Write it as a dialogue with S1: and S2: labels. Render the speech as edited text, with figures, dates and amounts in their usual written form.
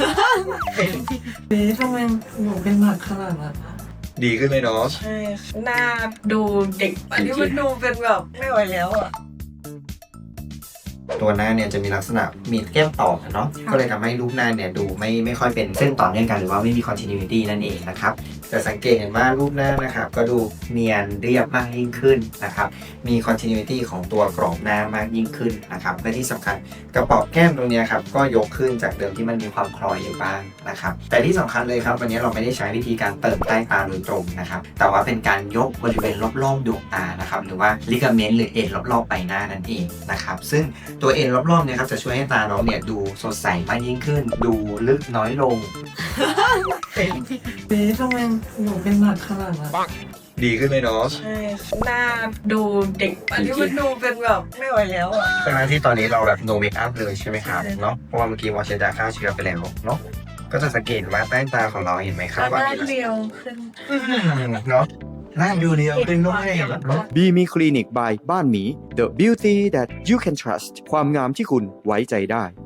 S1: เบ๊ทำไมหนูเป็นหนักขนาดนั้นอะ
S2: ดีขึ้นเลยเนาะ
S1: ใช่หน้าดูเด็กอันนี้มันดูเป็นแบบไม่ไหวแล้วอ่ะ
S2: ตัวหน้าเนี่ยจะมีลักษณะมีแก้มต่อเนาะก็เลยทำให้รูปหน้าเนี่ยดูไม่ค่อยเป็นเส้นต่อเนื่องกันหรือว่าไม่มี continuity นั่นเองนะครับแต่สังเกตเห็นว่ารูปหน้านะครับก็ดูเนียนเรียบมากยิ่งขึ้นนะครับมี continuity ของตัวกรอบหน้ามากยิ่งขึ้นนะครับและที่สำคัญกระเป๋าแก้มตรงเนี้ยครับก็ยกขึ้นจากเดิมที่มันมีความคล้อยอยู่บ้างนะครับแต่ที่สำคัญเลยครับวันนี้เราไม่ได้ใช้วิธีการเติมใต้ตาโดยตรงนะครับแต่ว่าเป็นการยกบริเวณรอบๆดวงตานะครับหรือว่าลิกาเมนต์หรือเอ็นรอบๆใบหน้านั่นเองนะครับซึ่งตัวเอ็นรอบๆเนี่ยครับจะช่วยให้ตาน้องเนี่ยดูสดใสมากยิ่งขึ้นดูลึกน้อยลง
S1: เบ๊ทำไมหนูเป็นหนักขนาดนั้นอะ
S2: ดีขึ้นเลยเนาะ
S1: ใช่หน้าดูเด็กอันนี้มันดูเป็นแบบไม่ไหวแล้วอ่ะ
S2: ทั้งที่ตอนนี้เราแบบ no make up เลยใช่ไหมครับเนาะเพราะว่าเมื่อกี้วอชยาฆ่าเชื้อไปแล้วเนาะก็จะสังเกตว่าใต้ตาของเราเห็นไหมครับ
S1: แล้วห
S2: ว่า
S1: น้า
S2: มีลักษ
S1: เรีย
S2: ณะ
S1: วขึ้น
S2: เนาะหน้าดูเรียวขึ้นด้วยเนาะ
S3: บีมีคลินิก by บ้านหมี The beauty that you can trust ความงามที่คุณไว้ใจได้